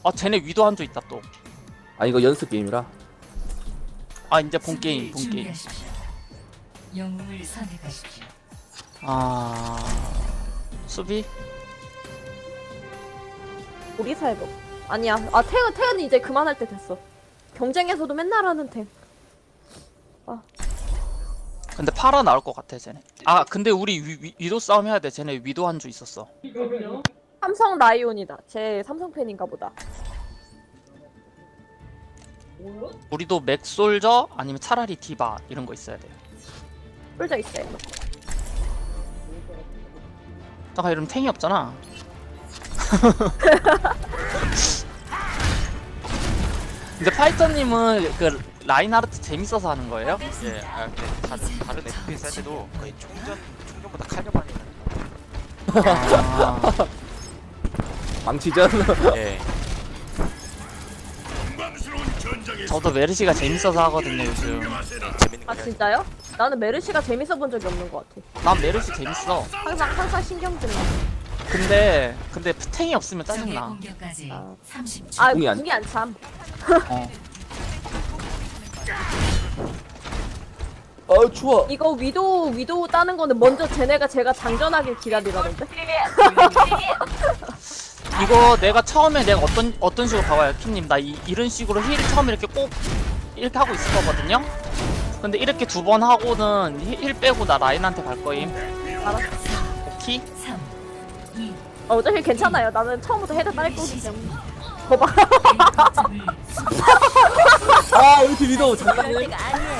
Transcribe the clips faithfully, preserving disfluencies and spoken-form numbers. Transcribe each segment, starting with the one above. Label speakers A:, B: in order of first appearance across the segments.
A: 아 쟤네 위도 한조 있다 또.
B: 아 이거 연습 게임이라.
A: 아 이제 본 게임 본 게임.
C: 영웅을 선택하십시오.
A: 아 수비?
D: 우리 살고. 아니야. 아 태은 태은이 이제 그만할 때 됐어. 경쟁에서도 맨날 하는 템.
A: 근데 팔아 나올 것 같아 쟤네. 아 근데 우리 위, 위, 위도 싸움 해야 돼. 쟤네 위도 한조 있었어.
D: 삼성 라이온이다. 제 삼성 팬인가 보다.
A: 우리도 맥솔저 아니면 차라리 디바 이런 거 있어야 돼.
D: 뿔져 있어요.
A: 잠깐 이러면 탱이 없잖아. 근데 파이터님은 그 라인하르트 재밌어서 하는 거예요?
E: 예, 아 근데 다른 다른 에프피에스 할 때도 거의 총전 총전보다 칼려고 하니까.
A: 아,
B: 망치전.
E: 예.
A: 저도 메르시가 재밌어서 하거든요 요즘.
E: 재밌는 거
D: 아
E: 해야지.
D: 진짜요? 나는 메르시가 재밌어 본 적이 없는 것 같아.
A: 난 메르시 재밌어.
D: 항상 항상 신경 쓰는.
A: 근데 근데 탱이 없으면
C: 적의
A: 짜증나.
C: 공격까지
D: 아.
C: 삼십 초.
D: 아
B: 궁이 안-
D: 궁이 안 참.
A: 어.
B: 어 추워.
D: 이거 위도우 위도우 따는 거는 먼저 쟤네가 제가 장전하길 기다리라던데.
A: 이거 내가 처음에 내가 어떤 어떤 식으로 봐봐요 킴님. 나 이, 이런 식으로 힐 처음에 이렇게 꼭 이렇게 하고 있을 거거든요. 근데 이렇게 두 번 하고는 힐, 힐 빼고 나 라인한테 갈 거임.
D: 알았어.
A: 오케이?
C: 삼, 이,
D: 어, 어차피 괜찮아요. 나는 처음부터 헤드 딸 거기 때문에. 거봐.
C: 점을
B: 아 우리 팀 위도 장난해.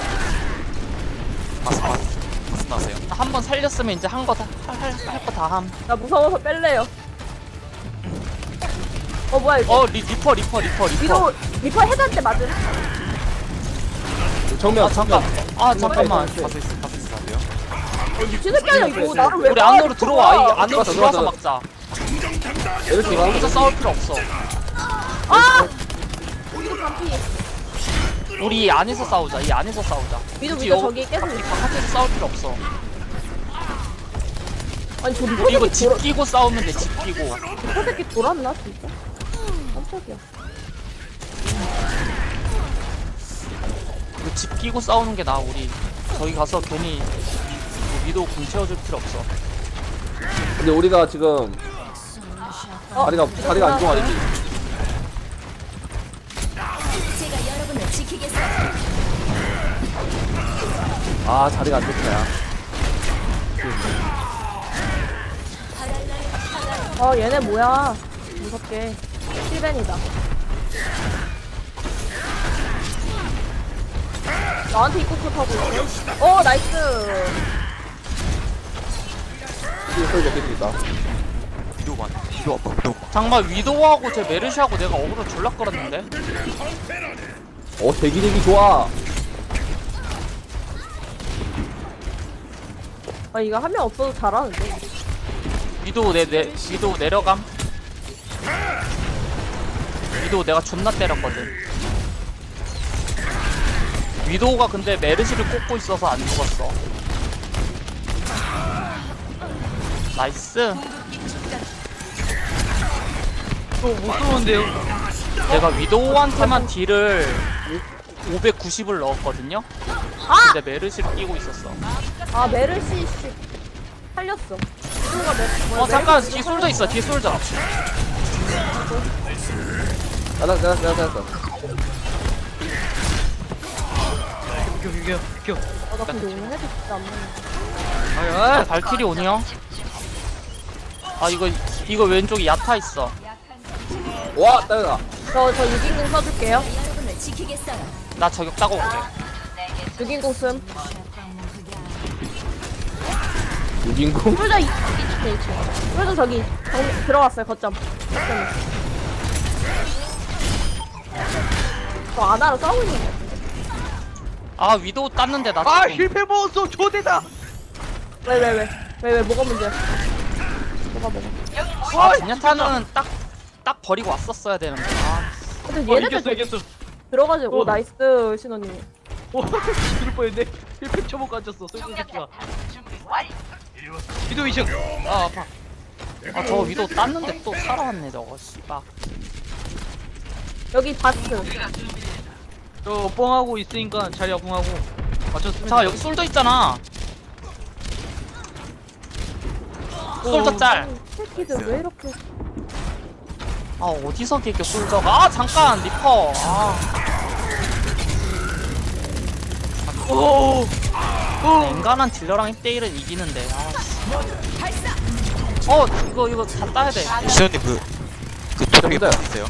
E: 파스 파스 파스 나세요.
A: 한 번 살렸으면 이제 한 거 다 할 거 다 함.
D: 나 무서워서 뺄래요. 어 뭐야 이거?
A: 어 리, 리퍼 리퍼 리퍼 리퍼.
D: 위도우 리퍼 헤드한테 맞은.
B: 정면.
A: 아 잠깐. 아 잠깐만.
E: 파스 있어 파스 있어 하세요.
D: 미친 새끼 아니야 이거. 나를 왜
A: 우리
D: 봐,
A: 안으로
D: 이거.
A: 들어와. 이 안으로
B: 들어왔어,
A: 들어와서
B: 들어왔어.
A: 막자.
B: 이렇게 가.
A: 여기서 싸울 필요 없어.
D: 아! 위도 반피.
A: 우리 안에서 싸우자. 이 안에서 싸우자.
D: 위도
A: 굳이
D: 위도
A: 여-
D: 저기 계속.
A: 바깥에서 싸울 필요 없어.
D: 아니 저
A: 우리
D: 리퍼
A: 이거
D: 새끼
A: 집
D: 돌아.
A: 끼고 싸우면 돼. 집 끼고.
D: 리퍼 새끼 돌았나 진짜? 깜짝이야.
A: 이거 집 끼고 싸우는 게 나아. 우리 저기 가서 괜히 뭐 위도 궁 채워줄 필요 없어.
B: 근데 우리가 지금
D: 어,
B: 다리가 다리가 안 좋아.
D: 돌아왔어요?
C: 제가 여러분을 지키겠습니다.
B: 아 자리가 안 좋다. 야.
D: 어 얘네 뭐야? 무섭게. 힐벤이다. 나한테 입고 컷하고 있어. 어 나이스.
B: 뒤에 소리 몇개 있다.
E: 위도만 위도 아파 위도.
A: 정말 위도하고 제 메르시하고 내가 어그로 졸라 끌었는데.
B: 어 대기 대기 좋아.
D: 아 이거 한 명 없어도 잘하는데.
A: 위도 내, 내 위도 내려감. 위도 내가 존나 때렸거든. 위도가 근데 메르시를 꽂고 있어서 안 죽었어. 나이스.
F: 또 무서운데요?
A: 내가 위도우한테만 딜을 오백구십을 넣었거든요.
D: 아!
A: 근데 메르시를 끼고 있었어.
D: 아 메르시 씨 살렸어. 위도가 메. 뭐야,
A: 어 잠깐
D: 메르시
A: 뒤에 솔져 있어. 뒤에 솔져.
B: 나나 나나 나나 나.
F: 비켜 비켜 비켜.
D: 아, 나 근데 오늘 헤드 진짜 안 맞네.
F: 아야.
A: 발키리 오니요? 아 이거 이거 왼쪽에 야타 있어.
B: 와 따라.
D: 저저 육인공 써줄게요.
C: 여러분을 지키겠어요.
A: 나 저격 따고 올게.
D: 육인공 씀.
B: 유긴공.
D: 뿔자 이. 네, 뿔자 저기 정, 들어갔어요 거점. 거점에. 저 아나로 싸우고 있는 거 같은데.
A: 아 위도우 땄는데 나
F: 아
A: 지금.
F: 힐패 먹었어. 조대다.
D: 왜 왜 왜? 왜 왜 뭐가 문제야? 뭐가 뭐가?
A: 아 제냐타는 딱 딱 버리고 왔었어야 되는데. 아
D: 근데
F: 어
D: 얘네들
F: 이겼어 이겼어.
D: 들어가지고
F: 어.
D: 나이스 신호님.
F: 오 죽을 뻔했네. 힐패 쳐먹고 앉았어. 쏠쏠 새끼가. 기도 이층. 아 아파.
A: 아 저거 위도우 땄는데 또 살아왔네 저거 씨발.
D: 여기 바스.
F: 저 뻥하고 있으니까 자리야 궁하고 맞췄으면.
A: 자 여기 솔져 있잖아. 솔져 짤.
D: 새끼들 왜 이렇게.
A: 아 어디서 개겨 솔져가? 아 잠깐 리퍼. 아
F: 오.
A: 인간한 딜러랑 일 대 일은 이기는데. 아, 씨. 어 이거 이거 다 따야 돼.
E: 시원님 그, 그 도벽에 뭐 있어요?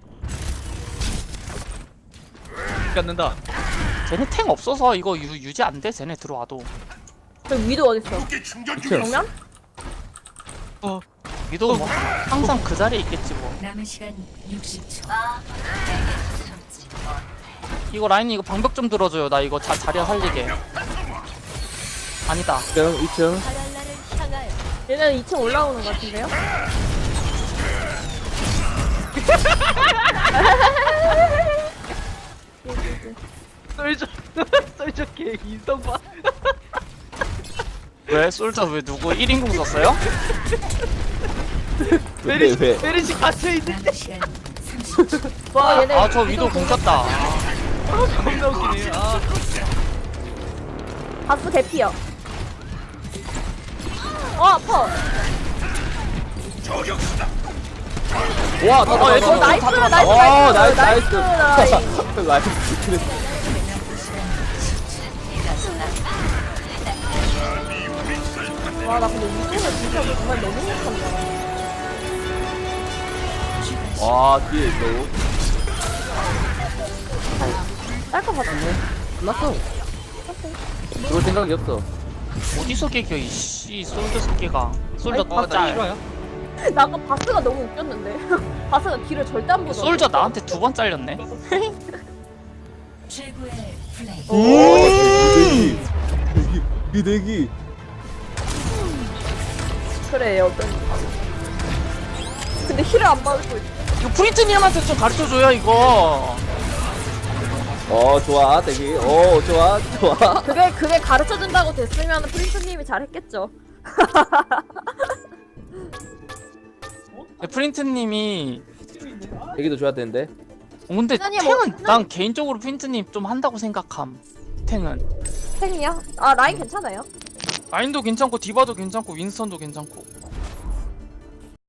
F: 갖는다.
A: 쟤네 탱 없어서 이거 유, 유지 안 돼. 쟤네 들어와도.
D: 저 위도 어딨어? 정면?
F: 어.
A: 위도 뭐 항상 그 자리에 있겠지 뭐.
C: 남은 시간 육십 초.
A: 이거 라인 이거 방벽 좀 들어줘요. 나 이거 자, 자리야 살리게. 아니다.
B: 이 층, 이 층.
C: 바랄라를 향하여.
D: 얘네는 이 층 올라오는 것 같은데요?
F: 썰저 썰저 개 인성 봐.
A: 왜 솔저 왜 누구 일 인공 썼어요?
B: 왜,
F: 메리시
B: 왜?
F: 메리시 갇혀 있는데.
C: 남은 시간 삼십 초.
D: 와 얘네
A: 아 저 위도 공켰다.
F: 겁나 웃기네. 아.
D: 바스 개피요. 어 아파.
B: 와, 다
A: 어, 얘
D: 어
A: 좀-
D: 나이스
A: 다 들어갔다.
D: 나이스
B: 와,
D: 나이스
B: 나이스, 나이스.
D: 나이스.
B: 라이프.
D: 와나 근데 이쪽은 진짜 정말 너무 못한다.
B: 와, 뒤에 있어.
D: 딸것 같은데.
B: 끝났어. 들어올 생각이 없어.
A: 어디서 개겨 이씨 솔저 새끼가. 솔저
F: 어, 나
A: 짤.
F: 싫어요.
D: 나 아까 바스가 너무 웃겼는데. 바스가 길을 절대 안 보더라고.
A: 솔저 나한테 두 번 잘렸네.
C: 최고의 플레이.
B: 오, 대기. 대기. 이 대기.
D: 그래 어떤. 근데 힐을 안 받고 있어.
A: 이거 프린트님한테 좀 가르쳐줘요 이거.
B: 어, 좋아, 대기. 어, 좋아, 좋아.
D: 그게 그게 가르쳐 준다고 됐으면 프린스님이 잘했겠죠.
A: 네, 프린트님이
B: 대기도 줘야 되는데.
A: 어, 근데
D: 시간이
A: 탱은
D: 뭐-
A: 난 개인적으로 프린트님 좀 한다고 생각함. 탱은
D: 탱이요? 아 라인 괜찮아요.
A: 라인도 괜찮고 디바도 괜찮고 윈스턴도 괜찮고.